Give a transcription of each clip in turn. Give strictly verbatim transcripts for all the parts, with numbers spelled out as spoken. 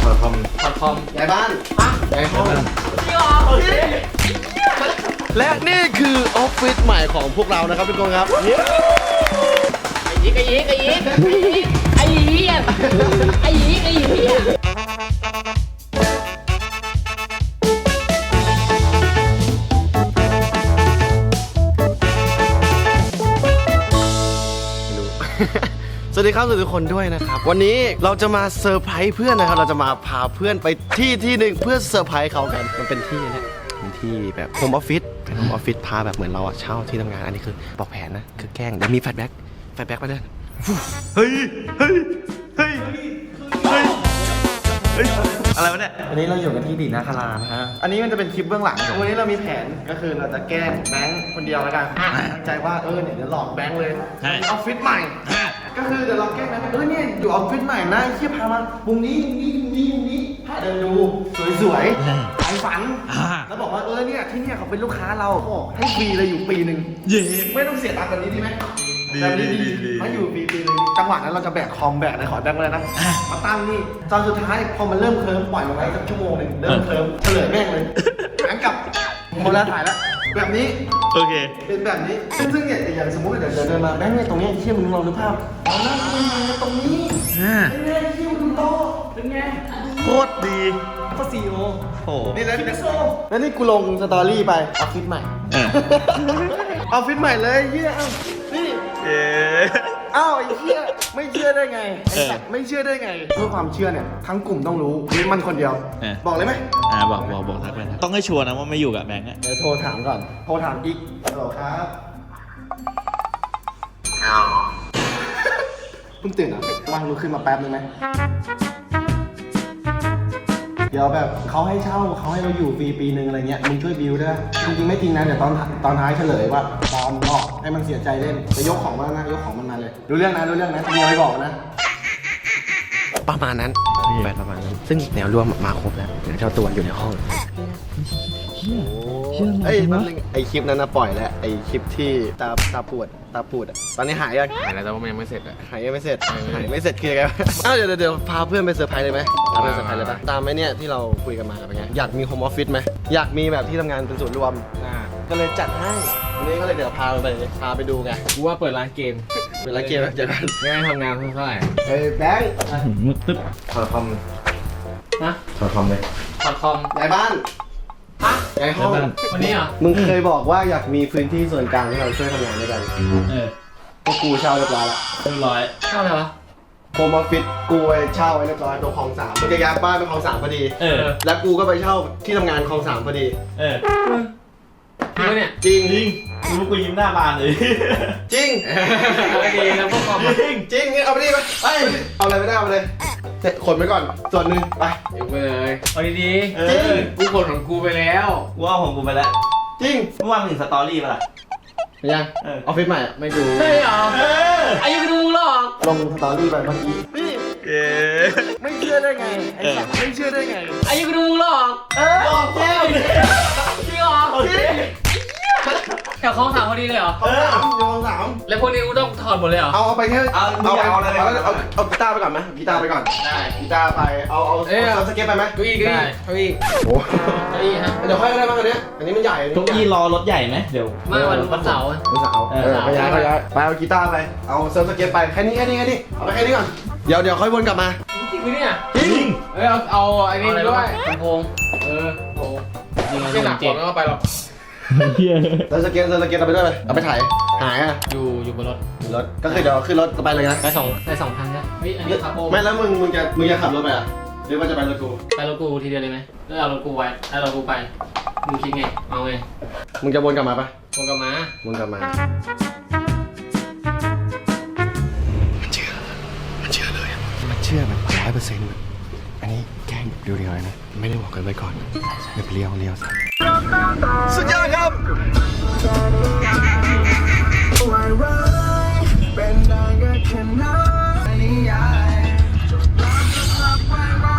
ถอดคอมถอดคอมย้ายบ้านฮะย้ายห้องพี่อ๋อพี่และนี่คือออฟฟิศใหม่ของพวกเรานะครับทุกคนครับไอ้ยีกไอ้ยีกไอ้ยีกไอ้ยีกไอ้ยีกไอ้ยีกสวัสดีครับสวัสดีทุกคนด้วยนะครับวันนี้เราจะมาเซอร์ไพรส์เพื่อนนะครับเราจะมาพาเพื่อนไปที่ที่หนึ่งเพื่อเซอร์ไพรส์เขากันมันเป็นที่เนี่ยเป็นที่แบบโฮมออฟฟิศเป็นโฮมออฟฟิศพาแบบเหมือนเราอะเช่าที่ทำงานอันนี้คือบอกแผนนะคือแกล้งเดี๋ยวมีแฟลชแบ็กแฟลชแบ็กไปด้วยเฮ้ยเฮ้ยเฮ้ยเฮ้ยเฮ้ยอะไรวะเนี่ยวันนี้เราอยู่กันที่ดีนาคารานะฮะอันนี้มันจะเป็นคลิปเบื้องหลังวันนี้เรามีแผนก็คือเราจะแกล้งแบงค์คนเดียวแล้วกันตั้งใจว่าเออเนี่ยเดี๋ยวหลอกแบงค์เลยออฟฟิศใหม่ก็คือเดี๋ยวเราแกล้งแบงค์เออเนี่ยอยู่ออฟฟิศใหม่นะเชี่ยพามามุมนี้มุมนี้มุมนี้มุมนี้พาเดินดูสวยๆขายฝันแล้วบอกว่าเออเนี่ยที่เนี่ยเขาเป็นลูกค้าเราให้ฟรีเลยอยู่ปีหนึ่งไม่ต้องเสียตังค์แบบนี้ดีไหมแบบนี้ดีมาอยู่ปีปีนึงจังหวะนั้นเราจะแบกคอมแบกอะไรขอแบงค์เลยนะมาตั้งนี่ตอนสุดท้ายพอมันเริ่มเคลิ้มปล่อยมันไว้สักชั่วโมงหนึ่งเริ่มเคลิ้มเฉลยแม่งเลยแบงค์กับโมแล้วถ่ายแล้วแบบนี้โอเคเป็นแบบนี้ซึ่งซึ่งเนี่ยอย่างสมมติเดี๋ยวเดินมาแบงค์เนี่ยตรงนี้เชี่ยมึงลองนึกภาพเอาหน้ามึงมาตรงนี้เป็นไงเชี่ยมึงโตเป็นไงโคตรดีก็ซีโอโอ้นี่แล้วแล้วนี่กูลงสตอรี่ไปออฟฟิศใหม่ออฟฟิศใหม่เลยเยี่ยมนี่อ้าวไอ้เหี้ยไม่เชื่อได้ไงไอ้สัตว์ไม่เชื่อได้ไงเพื่อความเชื่อเนี่ยทั้งกลุ่มต้องรู้นี่มันคนเดียวบอกเลยไหมอ่าบอกบอกบอกทักไปนะต้องให้ชัวร์นะว่าไม่อยู่กับแบงค์อ่ะเดี๋ยวโทรถามก่อนโทรถามอีกฮัลโหลครับเพิ่งตื่นอ่ะว่างลุกขึ้นมาแป๊บนึงไหมเดี๋ยวแบบเขาให้เช่าเขาให้เราอยู่ฟรีปีนึงอะไรเงี้ยมึงช่วยบิวด้วยจริงๆไม่จริงนะเดี๋ยวตอนตอนท้ายเฉลยว่าตอนบอกให้มันเสียใจเล่นจะยกของมานะยกของมันมาเลยรู้เรื่องนะรู้เรื่องนะมีอะไรบอกนะประมาณนั้นแบบประมาณนั้นซึ่งแนวร่วมมาครบแล้วเดี๋ยวเจ้าตัวอยู่ในห้องไอ้แป๊บนึงไอ้คลิปนั้นนะปล่อยแล้วไอ้คลิปที่ตาตาปวดตาปูดอ่ะตอนนี้หายยังหายแล้วแต่ว่ามันยังไม่เสร็จอ่ะหายยังไม่เสร็จหายไม่เสร็จคือไงอ้าวเดี๋ยวเดี๋ยวพาเพื่อนไปเซอร์ไพรส์เลยไหมพาไปเซอร์ไพรส์เลยปะตามไหมเนี่ยที่เราคุยกันมาเป็นไงอยากมีโฮมออฟฟิศไหมอยากมีแบบที่ทำงานเป็นศูนย์รวมก็เลยจัดให้วันนี้ก็เลยเดี๋ยวพาไปพาไปดูไงกูว่าเปิดร้านเกมเวลาเกมเจอกันไม่ได้ทำงานเท่าไหร่เฮ้ยแบงค์มึกตึ๊บถอดคอมนะถอดคอมเลยถอดคอมย้ายบ้านฮะย้ายห้องวันนี้เหรอมึงเคยบอกว่าอยากมีพื้นที่ส่วนกลางที่เราช่วยทำงานด้วยกันเออพวกกูเช่าเรียบร้อยละเรียบร้อยเช่าอะไรวะโฮมออฟฟิศกูไปเช่าไว้เรียบร้อยตรงคลองสามมึงจะย้ายบ้านไปคลองสามพอดีเออแล้วกูก็ไปเช่าที่ทำงานคลองสามพอดีเออจริงเนี่ยจริงจริงกูกูยิ้มหน้าบานเลยจริงโอเคแล้วพวกคอมจริงจริงงั้นเอาไปดิไปไปเอาอะไรไม่ได้เอาไปเลยเสร็จขนไปก่อนส่วนหนึ่งไปเดี๋ยวไปเลยเอาดีๆจริงกูขนของกูไปแล้วกูเอาของกูไปแล้วจริงเมื่อวานถึงสตอรี่ป่ะล่ะยังออฟฟิศใหม่ไม่ดูใช่เหรออายุดูหรอกลงสตอรี่ไปเมื่อกี้นี่ไม่เชื่อได้ไงไอ้สัตว์ไม่เชื่อได้ไงอายุดูหรอกเออออกแก้วจริงเหรอจริงแถวคลองสามพอดีเลยเหรอคลองสามคลองสามแล้วพวกนี้กูต้องถอดหมดเลยเหรอเอาเอาไปแค่เอาเอาเอาอะไรเอาเอาเอากีตาร์ไปก่อนไหมกีตาร์ไปก่อนได้กีตาร์ไปเอาเอาเอาสเก็ตไปไหมเก้าอี้เก้าอี้เก้าอี้โอ้เก้าอี้ฮะเดี๋ยวค่อยก็ได้บ้างอันนี้อันนี้มันใหญ่เก้าอี้รอรถใหญ่ไหมเดี๋ยวมาวันวันเสาร์วันเสาร์เออไปย้ายไปย้ายไปเอากีตาร์ไปเอาเซิร์ฟสเก็ตไปแค่นี้แค่นี้แค่นี้เอาไปแค่นี้ก่อนเดี๋ยวเดี๋ยวค่อยวนกลับมาจริงไหมเนี่ยจริงเอ้ยเอาเอาไอ้นี่ด้วยลำโพงเออโอ้ยไม่หนักกว่าไม่เอาไปหรอกเซิร์ฟสเก็ตเซิร์ฟสเก็ตเอาไปด้วยไปเอาไปถ่ายหายอ่ะอยู่อยู่บนรถรถก็คือเดี๋ยวขึ้นรถไปเลยนะไปสองไปสองพันนะเฮ้ยอันนี้คาโบไม่แล้วมึงมึงจะมึงจะขับรถไปอ่ะหรือว่าจะไปรถกูไปรถกูทีเดียวเลยไหมหรือเอารถกูไว้เอารถกูไปมึงคิดไงเอาไงมึงจะวนกลับมาปะวนกลับมาวนกลับมามันเชื่อมันเชื่อเลยมันเชื่อแบบร้อยเปอร์เซ็นต์อันนี้แกล้งเรียวๆนะไม่ได้บอกกันไว้ก่อนเดี๋ยวไปเลี้ยวเลี้ยวสุดยอดครับเป็นได้ก็แค่นั้นนิยายจบรักจะรักไว้ไว้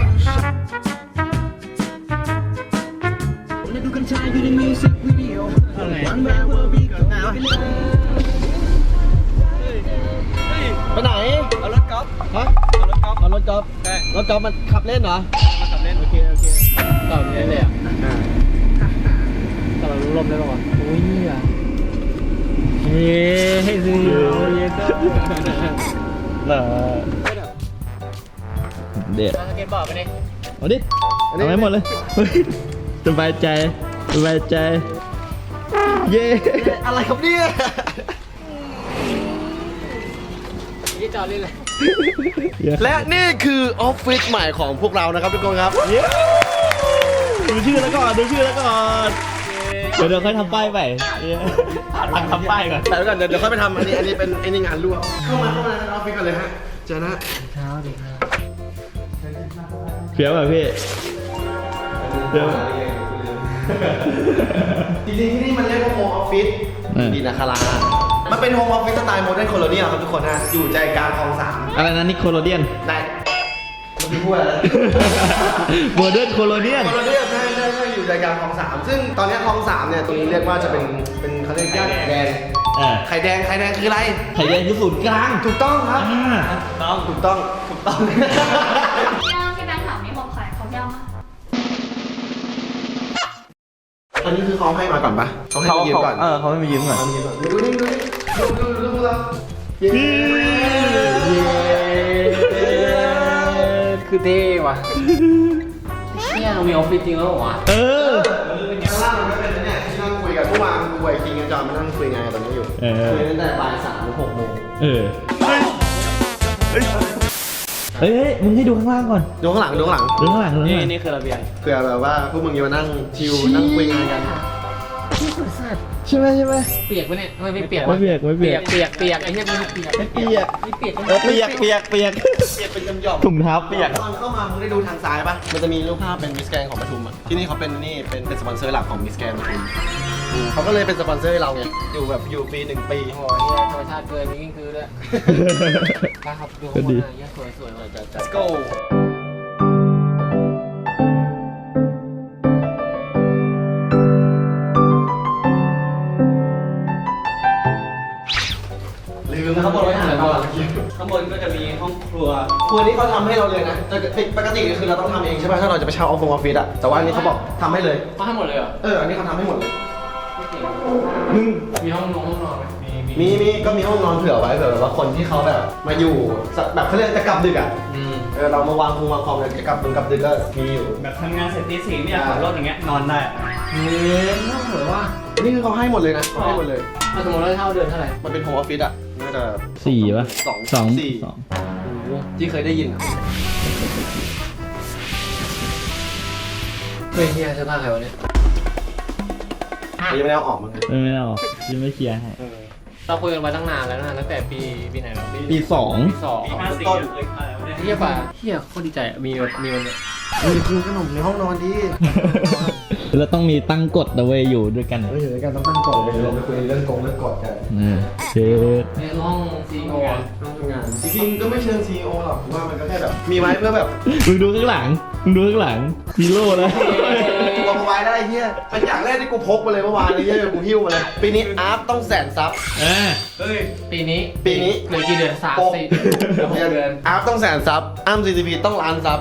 และดูกันชายอยู่ในมิวสิกวิดีโอวันแรกว่าบีกับหนาวไปไหนเอารถกอล์ฟฮะเอารถกอล์ฟเอารถถกอล์ฟรถกอล์ฟมันขับเล่นเหรอขับเล่นโอเคโอเคต่อเนี้ยเลยอ่ะต่อลมได้ป่าวโอ้ยอ่ะเฮ้ให้ซื้อเยอะก็เหรอเด็ดสเก็ตบอร์ดไปดิเอาดิเอาไว้หมดเลยเฮ้ยสบายใจสบายใจเย้อะไรครับเนี่ยยี่จอดเลยเลยและนี่คือออฟฟิศใหม่ของพวกเรานะครับทุกคนครับดูชื่อแล้วก่อนดูชื่อแล้วก่อนเดี๋ยวเดี๋ยวค่อยทำป้ายไปทำทำป้ายก่อนแต่ก่อนเดี๋ยวเดี๋ยวค่อยไปทำอันนี้อันนี้เป็นอันนี้งานรั่วเข้ามาเข้ามาในออฟฟิศกันเลยฮะเจอนะเช้าดีครับเพี้ยวแบบพี่เพี้ยวจริงๆที่นี่มันเรียกว่าโฮมออฟฟิศดีนะคารามันเป็นโฮมออฟฟิศสไตล์โมเดิร์นโคโลเนียลครับทุกคนฮะอยู่ใจกลางคลองสามอะไรนะนิโคโลเดียนได้เมื่อกี้พูดอะไรโมเดิร์นโคโลเนียนโคโลเนียลใช่ใช่ใช่อยู่ใจกลางคลองสามซึ่งตอนนี้คลองสามเนี่ยตรงนี้เรียกว่าจะเป็นเป็นเขาเรียกย่านไข่แดงอ่าไข่แดงไข่แดงคืออะไรไข่แดงคือศูนย์กลางถูกต้องครับอ่าต้องถูกต้องถูกต้องย่างที่แบงค์ถามนี่ของใครของย่างมั้ยอันนี้คือเขาให้มาก่อนปะเขาให้เขามายืมก่อนเออเขาไม่มายืมก่อนเขาให้มายืมก่อนดูนี่ดูนี่ดูดูดูดูเราเย้คือเท่ว่ะเนี่ยเรามีออฟฟิศจริงแล้วเหรอวะเออข้างล่างมันก็เป็นเนี่ยที่นั่งคุยกันเมื่อวานกูไอ้คิงกับจอมมานั่งคุยงานกันตรงนี้อยู่เออคุยตั้งแต่บ่ายสามถึงหกโมงเออเฮ้ยเฮ้ยมึงให้ดูข้างล่างก่อนดูข้างหลังดูข้างหลังดูข้างหลังดูข้างหลังนี่คือระเบียงเผื่อแบบว่าพวกมึงจะมานั่งชิลนั่งคุยงานกันที่สุดสัตว์ใช่ไหมใช่ไหมเปียกปะเนี่ยทำไมไม่เปียกไม่เปียกไม่เปียกเปียกเปียกไอ้เหี้ยมันเปียกไม่เปียกไม่เปียกเออเปียกเปียกเปียกเปียกเป็นหย่อมถุงเท้าเปียกตอนเข้ามามึงได้ดูทางซ้ายปะมันจะมีรูปภาพเป็นมิสแกรนของปทุมอ่ะที่นี่เขาเป็นนี่เป็นเป็นสปอนเซอร์หลักของมิสแกรนปทุมอืมเขาก็เลยเป็นสปอนเซอร์ให้เราไงอยู่แบบอยู่ปีหนึ่งปีโอ้ยเนี่ยธรรมชาติเกินมีกิ้งคือด้วยครับดูข้างบนนะเหี้ยสวยสวยเลยจัดจัด Let's go ลืมนะครับบอกไว้ถ่ายก่อนข้างบนก็จะมีห้องครัวครัวนี้เขาทำให้เราเลยนะแต่ปกติคือเราต้องทำเองใช่ป่ะถ้าเราจะไปเช่าออฟฟิศออฟฟิศอะแต่ว่าอันนี้เขาบอกทำให้เลยเขาให้หมดเลยเหรอเอออันนี้เขาทำให้หมดเลยมึงมีห้องนอนห้องนอนไหมมีมีมีก็มีห้องนอนเผื่อไว้เผื่อแบบว่าคนที่เขาแบบมาอยู่แบบเขาเรียกจะกลับดึกอ่ะอืมเออเรามาวางคงวางคอมเลยจะกลับดึกกลับดึกก็มีอยู่แบบทำงานเสร็จตีสี่เนี่ยขับรถอย่างเงี้ยนอนได้เฮ้ยน่าเหมือนว่านี่คือเขาให้หมดเลยนะเขาให้หมดเลยถ้าสมมติเราเช่าเดือนเท่าไหร่มันเป็นโฮมออฟฟิศอ่ะน่าจะสี่ป่ะสองสองสี่สองที่เคยได้ยินอะเฮ้ยเฮียเสื้อผ้าใครวะเนี่ยแต่ยังไม่ได้เอาออกมาเลยไม่ไม่เอายังไม่เคลียร์ให้เราคุยกันมาตั้งนานแล้วนะตั้งแต่ปีปีไหนแล้วปีสองปีสองต้นเฮียป่ะเฮียโคตรดีใจอะมีแบบมีวันเนี้ยเฮ้ยกินขนมในห้องนอนดิแล้วต้องมีตั้งกฎเอาไว้อยู่ด้วยกันเฮ้ยอยู่ด้วยกันต้องตั้งกฎเลยเราไปคุยเรื่องกงเรื่องกฎกันเออเชิดในห้องซีโอต้องทำงานจริงๆก็ไม่เชิง ซี อี โอ หรอกผมว่ามันก็แค่แบบมีไว้เพื่อแบบมึงดูข้างหลังมึงดูข้างหลังฮีโร่นะตัวมาไว้ได้เฮียเป็นอย่างแรกที่กูพกมาเลยเมื่อวานเลยเฮียกูหิ้วมาเลยปีนี้อาร์ตต้องแสนซับเออปีนี้ปีนี้เหลือกี่เดือนสามหกสี่เหลือหกเดือนอาร์ตต้องแสนซับอ้ำ ซี ซี พี ต้องล้านซับ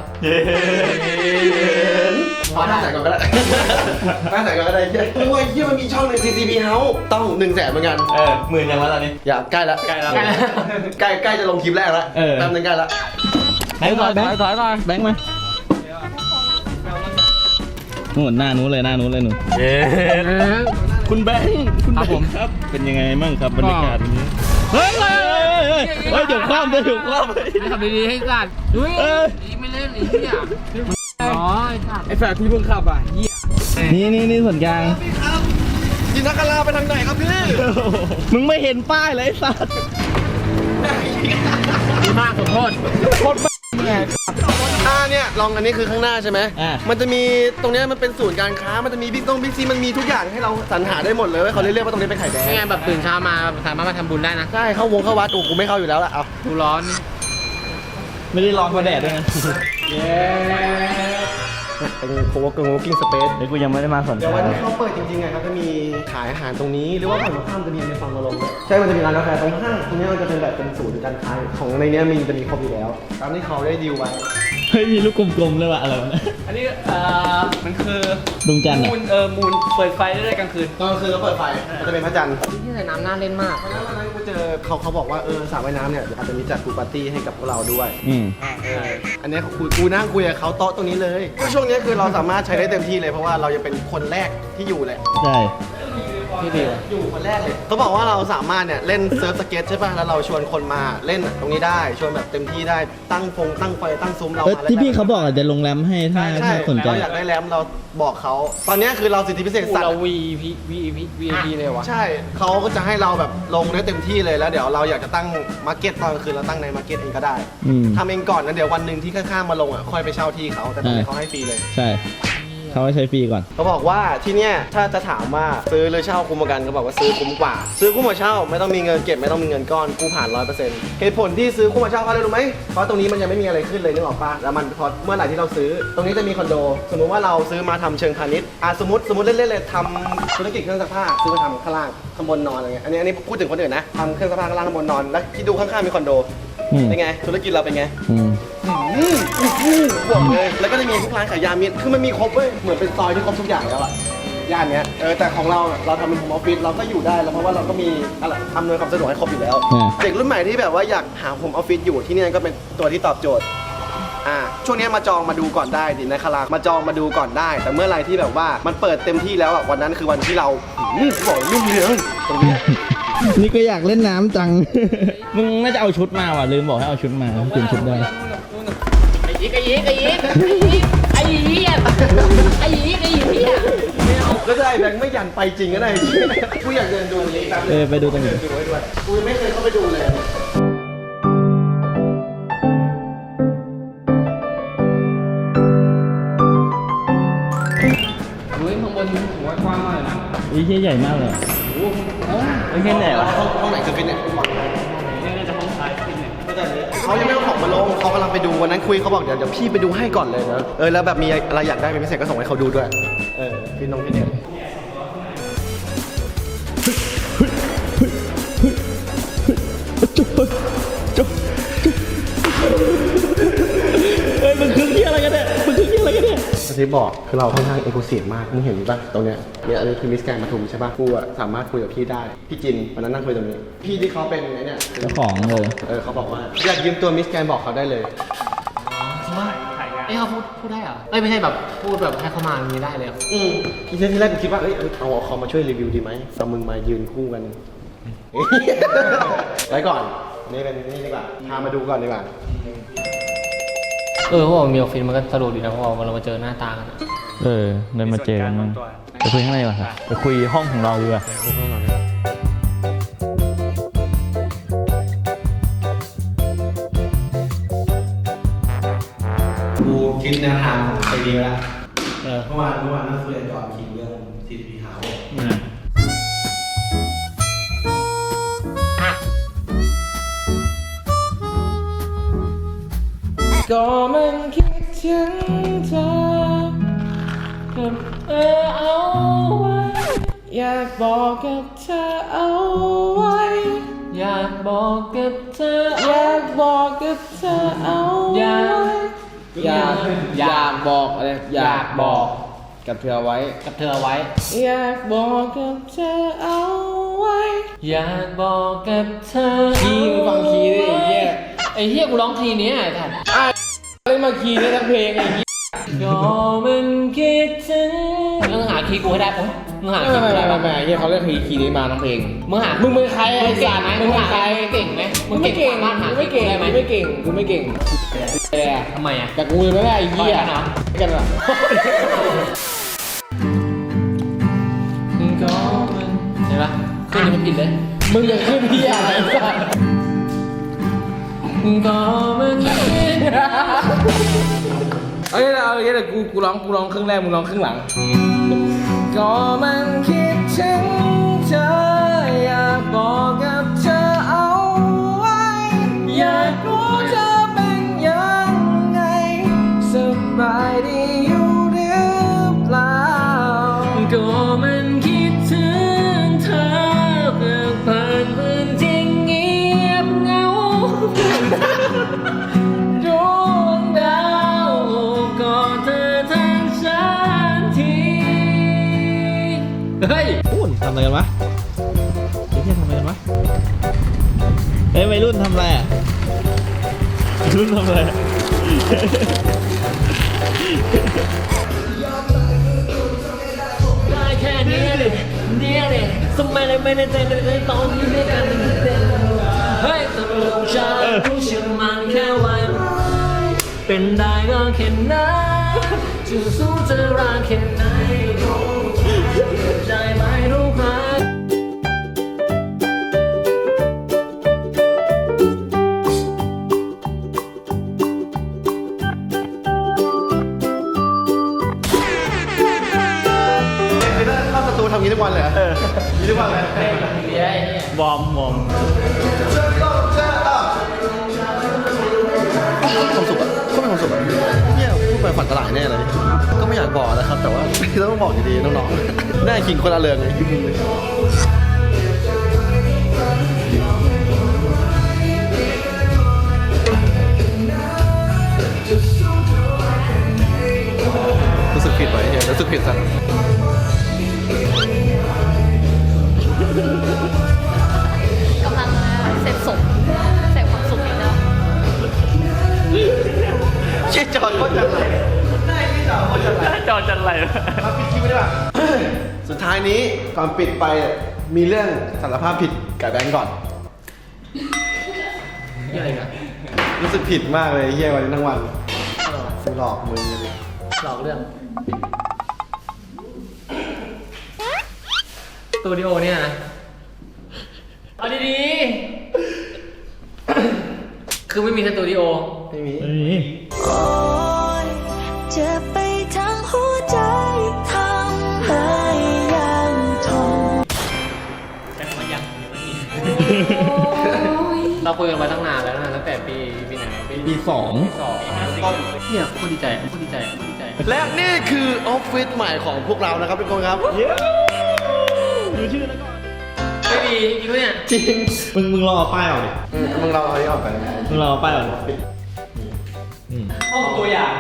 ขอหน้าใส่ก่อนก็ได้หน้าใส่ก่อนก็ได้เฮียโอ้ยเฮียมันมีช่องใน ซี ซี พี House ต้องหนึ่งแสนเหมือนกันเออหมื่นยังวะตอนนี้อย่าใกล้แล้วใกล้แล้วใกล้ใกล้จะลงคลิปแรกแล้วเออแป๊บนึงใกล้แล้วแบงค์มาแบงค์ถอยก่อนแบงค์มานู่นหน้านู้นเลยหน้านู้นเลยหนูคุณแบงค์คุณแบงค์ครับเป็นยังไงบ้างครับบรรยากาศวันนี้เฮ้ยเฮ้ยเฮ้ยเฮ้ยเดี๋ยวคว่ำเดี๋ยวคว่ำขับดีๆให้สัตว์เฮ้ยเอ้ยไม่เล่นไอ้เหี้ยอ๋อไอ้สัตว์ไอ้แฝดที่เพิ่งขับอ่ะเหี้ยนี่นี่นี่ส่วนกลางจินตนาการไปทางไหนครับพี่มึงไม่เห็นป้ายเลยไอ้สัตว์ดีมากขอโทษอ่าเนี่ยลองอันนี้คือข้างหน้าใช่ไหมอ่ามันจะมีตรงเนี้ยมันเป็นศูนย์การค้ามันจะมีบิ๊กต้องบิ๊กซีมันมีทุกอย่างให้เราสรรหาได้หมดเลยเว้ยเขาเรียกว่าตรงนี้เป็นไข่แดงนี่ไงแบบตื่นเช้ามาสามารถมาทำบุญได้นะใช่เข้าวงเข้าวัดโอ้กูไม่เข้าอยู่แล้วล่ะเอาดูร้อนนี่ไม่ได้ร้อนเพราะแดดด้วยนะเย้เป็นโคเวิร์กิ้งโคเวิร์กิ้งสเปซเดี๋ยวกูยังไม่ได้มาสนใจเดี๋ยววันที่เขาเปิดจริงๆไงครับจะมีขายอาหารตรงนี้หรือว่าฝั่งตรงข้ามจะมีในฝั่งมาลงด้วยใช่มันจะมีร้านกาแฟตรงข้างตรงนี้มันจะเป็นแบบเป็นศูนย์การค้าของในนี้มีจะมีครบอยู่แล้วตามที่เขาได้ดีลไว้เฮ้ยมีลูกกลมๆเลยว่ะอะไรวะเนี่ยอันนี้เอ่อมันคือดวงจันทร์มูอ่ะลเออมูลเปิดไฟได้เลยกลางคืนตอนกลางคืนเขาเปิดไฟมันจะเป็นพระจันทร์ที่ใส่น้ำน่าเล่นมากวันนั้นวันนั้นกูเจอเขาเขาบอกว่าเออสระว่ายน้ำเนี่ยอาจจะมีจัดพูลปาร์ตี้ให้กับพวกเราด้วยอืมเอออันนี้เขาคุยกูนั่งคุยกับเขาโต๊ะตรงนี้เลยก็ช่วงนี้คือเราสามารถใช้ได้เต็มที่เลยเพราะว่าเรายังเป็นคนแรกที่อยู่เลยใช่พี่ดิวอยู่คนแรกเลยเขาบอกว่าเราสามารถเนี่ยเล่นเซิร์ฟสเก็ตใช่ป่ะแล้วเราชวนคนมาเล่นตรงนี้ได้ชวนแบบเต็มที่ได้ตั้งฟงตั้งไฟตั้งซุ้มเราเอ้ยมาล่นที่พี่เขาบอกอ่ะจะลงแรมให้ถ้าใช่ถ้าใช่สนใจเราอยากได้แรมเราบอกเขาตอนนี้คือเราสิทธิพิเศษสัตเราว์วี พี วี พี วี พี เลยวะใช่เขาก็จะให้เราแบบลงได้เต็มที่เลยแล้วเดี๋ยวเราอยากจะตั้งมาร์เก็ตตอนกลางคืนเราตั้งในมาร์เก็ตเองก็ได้อืมทำเองก่อนนะเดี๋ยววันหนึ่งที่ข้างๆมาลงอ่ะค่อยไปเช่าที่เขาแต่ตอนนี้เขาให้ฟรีเลยใช่เขาให้ใช้ฟรีก่อนเขาบอกว่าที่เนี่ยถ้าจะถามว่าซื้อหรือเช่าคุ้มกว่ากันเขาบอกว่าซื้อคุ้มกว่า ซื้อคุ้มกว่าเช่าไม่ต้องมีเงินเก็บไม่ต้องมีเงินก้อนกู้ผ่านร้อยเปอร์เซ็นต์เหตุผลที่ซื้อคุ้มกว่าเช่าเพราะอะไรรู้ไหมเพราะตรงนี้มันยังไม่มีอะไรขึ้นเลยนึกออกปะแล้วมันพอเมื่อไหร่ที่เราซื้อ ตรงนี้จะมีคอนโด สมมุติว่าเราซื้อมาทำเชิงพาณิชย์อ่ะสมมติสมมติเล่นๆเลยทำธุรกิจเครื่องซักผ้าซื้อมาทำข้างล่างข้างบนนอนอะไรเงี้ยอันนี้อันนี้พูดถึงคนอื่นนะทำเครื่องซักผ้าข้างล่างข้างบนนอนแล้วคิดดูข้างๆมีคอนโดอืมเป็นไงธุรกิจเราเป็นไงอืมอืมอืมบอกเลย แล้วก็จะมีพวกร้านขายยามีคือมันมีครบเว้ย เหมือนเป็นซอยที่ครบทุกอย่างแล้วอะย่านเนี้ย เออ แต่ของเราอะเราทำเป็นโฮมออฟฟิศเราก็อยู่ได้แล้วเพราะว่าเราก็มีอะไรอำนวยความสะดวกให้ครบอยู่แล้วอ่าเด็กรุ่นใหม่ที่แบบว่าอยากหาโฮมออฟฟิศอยู่ที่นี่ก็เป็นตัวที่ตอบโจทย์ อ่า ช่วงนี้มาจองมาดูก่อนได้ดินะคารามาจองมาดูก่อนได้ แต่เมื่อไหรที่แบบว่ามันเปิดเต็มที่แล้วอะวันนั้นคือวันที่เราอืมบอกรุ่งเรืองตรงนี้นี่ก็อยากเล่นน้ำจัง มึงน่าจะเอาชุดมาว่ะลืมบอกให้เอาชุดมาเปลี่ยนชุดได้ไอ้ยีกไอ้ยีกไอ้ยีกไอ้ยีกไอ้ยีกไอ้ยีกไอ้ยีกก็ได้แบงค์ไม่ยันไปจริงก็ได้ กูอยากเดินดูนี้แป๊บนึงเออไปดูตรงนี้ดูไว้ด้วยกูยังไม่เคยเข้าไปดูเลยเฮ้ยข้างบนหัวกว้างมากเลยนะอุ้ยเหี้ยใหญ่มากเลยไม่ใช่ไหนวะห้องไหนคือฟิตเนสนี่น่าจะห้องซ้ายฟิตเนสเขายังไม่เอาของมาลงเขากำลังไปดูวันนั้นคุยเขาบอกเดี๋ยวเดี๋ยวพี่ไปดูให้ก่อนเลยนะเออแล้วแบบมีอะไรอยากได้เป็นพิเศษก็ส่งให้เขาดูด้วยเออฟิตนงฟิตเนสจุ๊บจุ๊บเฮ้ยมึงคือเหี้ยอะไรกันเนี่ยมึงคือเหี้ยอะไรกันเนี่ยที่บอกคือเราค่อนข้างเอกลูซีฟมากมึงเห็นป่ะตรงเนี้ยเนี่ยอันนี้คือมิสแกรนด์ปทุมใช่ป่ะกูอะสามารถคุยกับพี่ได้พี่จินวันนั้นนั่งคุยตรงนี้พี่ที่เขาเป็นไอ้เนี่ยเจ้าของเลยเออเขาบอกว่าอยากยืมตัวมิสแกรนด์บอกเขาได้เลยจริงป่ะเอ้ยเขาพูดพูดได้เหรอเอ้ยไม่ใช่แบบพูดแบบให้เขามาอย่างนี้ได้เลยเหรออืมทีที่แรกกูคิดว่าเอ้ยเอาเอาเขามาช่วยรีวิวดีไหมเอามึงมายืนคู่กัน ไว้ก่อน นี่เป็นนี่ดีกว่าพามาดูก่อนดีกว่าเออเพราะว่ามีออฟฟิศมันก็สะดวกดีนะเพราะว่าเรามาเจอหน้าตากันเออเดินมาเจอกันมั้งไปคุยข้างในก่อนครับไปคุยห้องของเราดีกว่ากูคิดแนวทางไปดีแล้วเออเมื่อวานเมื่อวานนั่งคุยกันก่อนคิดเรื่อง ซี ที พี House ก็มันคิดถึงเธอเออเอาไว้อยากบอกกับเธอเอาไว้อยากบอกกับเธออยากบอกกับเธอเอาไว้อยากอยากบอกอะไรอยากบอกกับเธอไว้กับเธอไว้อยากบอกกับเธอเอาไว้อยากบอกกับเธอคีย์มึงฟังคีย์ดิไอ้เหี้ยไอ้เหี้ยกูร้องคีย์นี้ไอ้ท่านเล่นมาคีย์นี้ทั้งเพลงไอ้เหี้ยก็มันคิดถึงมึงหาคีย์กูให้ได้ปุ๊บมึงหาคีย์กูได้ป่ะไม่เฮียเขาเรียกคีย์คีย์นี้มาทั้งเพลงมึงหามึงเป็นใครมึไอ้งเก่สังตว์ไหมมึงเป็นใครเก่งไหมมึงไม่เก่งสามารถหามึงไม่เก่งได้ไหมมึงไม่เก่งกูไม่เก่งแต่ทำไมอ่ะแต่กูยังไม่ได้ไอ้เหี้ยต่อยกันเหรอกันเหรอก็มันเห็นปะขึ้นนี่มันผิดเลยมึงจะขึ้นเหี้ยอะไรสัตว์ก็มันคิดเอ้ยเอาอย่างเงี้ยเดี๋ยวกูกูร้องกูร้องครึ่งแรกมึงร้องครึ่งหลังก็มันคิดถึงเธออยากบอกกับเธอเอาไว้อยากรู้เธอเป็นยังไงสบายดีอยู่หรือเฮ้ยพูดทำอะไรกันวะเฮ้ยทำอะไรกันวะเฮ้ยวัยรุ่นทำอะไรอ่ะวัยรุ่นทำอะไรได้แค่นี้เลยเนี่ยเลยทำไมเลยไม่ได้ใจเลยตอนนี้ด้วยกันเฮ้ยตกลงฉันรู้ฉันมันแค่วันเป็นได้ก็แค่นั้นจะสู้จะรักแค่ไหนใจไม่รู้ไหมคือถ้าเข้าประตูทำงี้ทุกวันเลยเหรองี้ทุกวันเลยวอร์มวอร์มความสุขอะก็เป็นความสุขอะเนี่ยพูดไปฝันตลายแน่เลย ก็ไม่อยากบอกนะครับ แต่ว่า ต้องบอกอยู่ดีน้องๆหน้าขิงคนละเรืองเลยรู้สึกผิดไว้เฮียรู้สึกผิดสักกำลังเสพสุขเสพความสุขอยู่นะเชี่ยจอดก็จัดไรได้ที่จอดก็จัดไรจอจันไรมาปิดคลิปได้ป่ะ สุดท้ายนี้ก่อนปิดไปมีเรื่องสารภาพผิดกับแบงก์ก่อนอะไรกันรู้สึกผิดมากเลยเฮียวันนี้ทั้งวันหลอกมึงเลยหลอกเรื่องสตูดิโอเนี่ยนะเอาดีๆคือไม่มีสตูดิโอไม่มีไม่มีโอ๊ยเจ็บไปทั้งหัวใจทำให้ยังทนเราคุยกันมาตั้งนานแล้วนะตั้งแต่ปีปีไหนปีปีสองสองเนี่ยโคตรดีใจโคตรดีใจโคตรดีใจและนี่คือออฟฟิศใหม่ของพวกเรานะครับทุกคนครับดูชื่อแล้วก่อนไม่ดีจริงปะเนี่ยจริงมึงมึงรอเอาป้ายออกดิอืมมึงเราเอาอันนี้ออกไปมึงรอเอาป้ายออกดิอืมห้องตัวอย่าง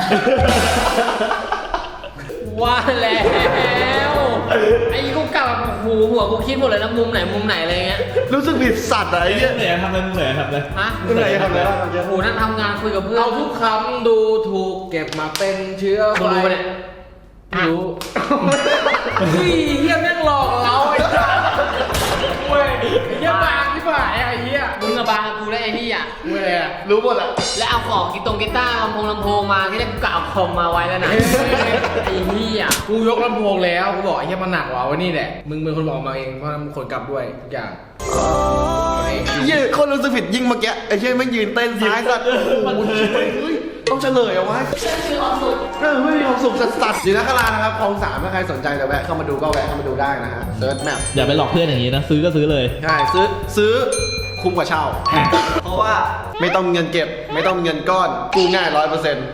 ว่าแล้วไอ้กูกลับแบบโอ้โหหัวกูคิดหมดเลยนะมุมไหนมุมไหนอะไรเงี้ยรู้สึกผิดสัตว์อะไอ้เหี้ยเหนื่อยทำอะไรมึงเหนื่อยทำอะไรฮะมึงไหนทำอะไรบ้างเมื่อกี้โอ้โหนั่นทำงานคุยกับเพื่อนเอาทุกคำดูถูกเก็บมาเป็นเชื้อมึงไฟรู้ปะเนี่ยรู้เฮ้ยเฮียแม่งหลอกเราไอ้สัสเว้ยเฮียบางที่ฝ่ายไอ้เฮียมึงกับบางกูได้ไอ้นี่อ่ะเว้ยอะรู้หมดอะแล้วเอาของกีตงกีตาร์ลำโพงลำโพงมาที่ได้กูกะเอาคอมมาไว้แล้วนะไอ้นี่อ่ะกูยกลำโพงแล้วกูบอกไอ้เฮียมันหนักว่ะวันนี้แหละมึงเป็นคนบอกมาเองเพราะมึงคนกลับด้วยทุกอย่างเหี้ยคนรู้สึกผิดยิ่งเมื่อกี้ไอ้เหี้ยไม่งยืนเต้นซ้ายสัตว์โอ้โหเฮ้ยต้องเฉลยเอาไว้คือความสุขเออไม่มีความสุขสัสๆอยู่นักลานะครับคลองสามถ้าใครสนใจจะแวะเข้ามาดูก็แวะเข้ามาดูได้นะฮะเซิร์ชแมปอย่าไปหลอกเพื่อนอย่างนี้นะ ซื้อก็ซื้อเลยใช่ซื้อซื้อคุ้มกว่าเช่า เพราะว่าไม่ต้องมีเงินเก็บ ไม่ต้องมีเงินก้อนกู้ง่ายร้อยเปอร์เซ็นต์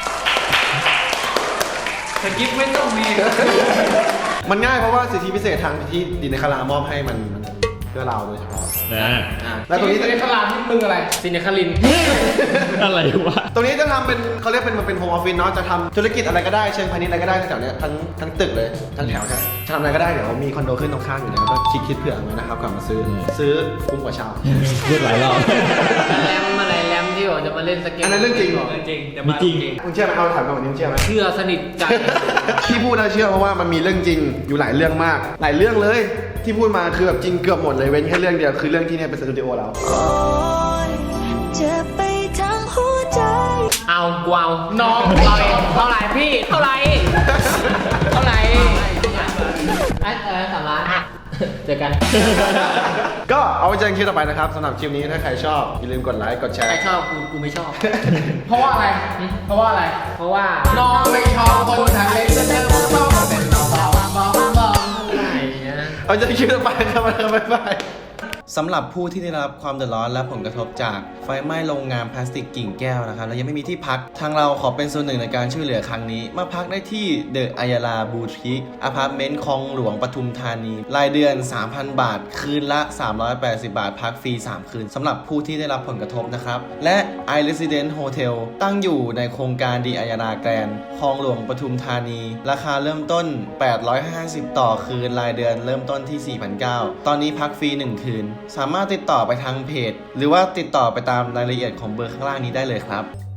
สกิปไม่ต้องมีมันง่ายเพราะว่าสิทธิพิเศษทางที่ดินในคารามอบให้มันมันเพื่อเราโดยเฉพาะนะแล้วตรงนี้จะได้ขลาดที่มึงอะไรซินคารินอะไรวะตรงนี้จะทำเป็นเขาเรียกเป็นมันเป็นโฮมออฟฟิศเนาะจะทำธุรกิจอะไรก็ได้เชิงพาณิชย์อะไรก็ได้แถวเนี้ยทั้งทั้งตึกเลยทั้งแถวจะจะทำอะไรก็ได้เดี๋ยวมีคอนโดขึ้นตรงข้างอยู่แล้วก็คิดคิดเผื่อไว้นะครับก่อนมาซื้อซื้อคุ้มกว่าเช่าพูดหลายรอบแรมอะไรแรมที่บอกจะมาเล่นสเก็ตอันนั้นเรื่องจริงเหรอจริงจะไม่มาจริงมึงเชื่อไหมเอาถามมาวันนี้มึงเชื่อไหมเชื่อสนิทใจที่พูดนะเชื่อเพราะว่ามันมีเรื่องจริงอยู่หลายเรื่องมาก หลายเรื่องเลยที่พูดมาคือแบบจริงเกือบหมดเลยเว้นแค่เรื่องเดียวคือเรื่องที่เนี่ยเป็นสตูดิโอเราโอ๊ยเจ็บไปทั้งหัวใจเอากวาวน้องเท่าไหร่เท่าไหร่พี่เท่าไหร่เท่าไหร่ไอ้เออสามล้านเจอกันก็เอาไว้เจอกันคลิปต่อไปนะครับสำหรับคลิปนี้ถ้าใครชอบอย่าลืมกดไลค์กดแชใครร์ชอบกูกูไม่ชอบเพราะว่าอะไร เพราะว่าอะไรเพราะว่าน้องไม่ชอบคนทางเล็กจะเจอผู้ชอบเป็นน้องเบาเบาเบาอะไรนะเอาเจอกันคลิปต่อไปครับบ๊ายบายสำหรับผู้ที่ได้รับความเดือดร้อนและผลกระทบจากไฟไหม้โรงงานพลาสติกกิ่งแก้วนะครับและยังไม่มีที่พักทางเราขอเป็นส่วนหนึ่งในการช่วยเหลือครั้งนี้มาพักได้ที่เดอะอัยราบูติกอพาร์ตเมนต์คลองหลวงปทุมธานีรายเดือน สามพัน บาทคืนละ สามร้อยแปดสิบ บาทพักฟรีสามคืนสำหรับผู้ที่ได้รับผลกระทบนะครับและ I Resident Hotel ตั้งอยู่ในโครงการดีอัยราแกรนด์คลองหลวงปทุมธานีราคาเริ่มต้นแปดร้อยห้าสิบต่อคืนรายเดือนเริ่มต้นที่ สี่พันเก้าร้อย ตอนนี้พักฟรีหนึ่งคืนสามารถติดต่อไปทางเพจหรือว่าติดต่อไปตามรายละเอียดของเบอร์ข้างล่างนี้ได้เลยครับ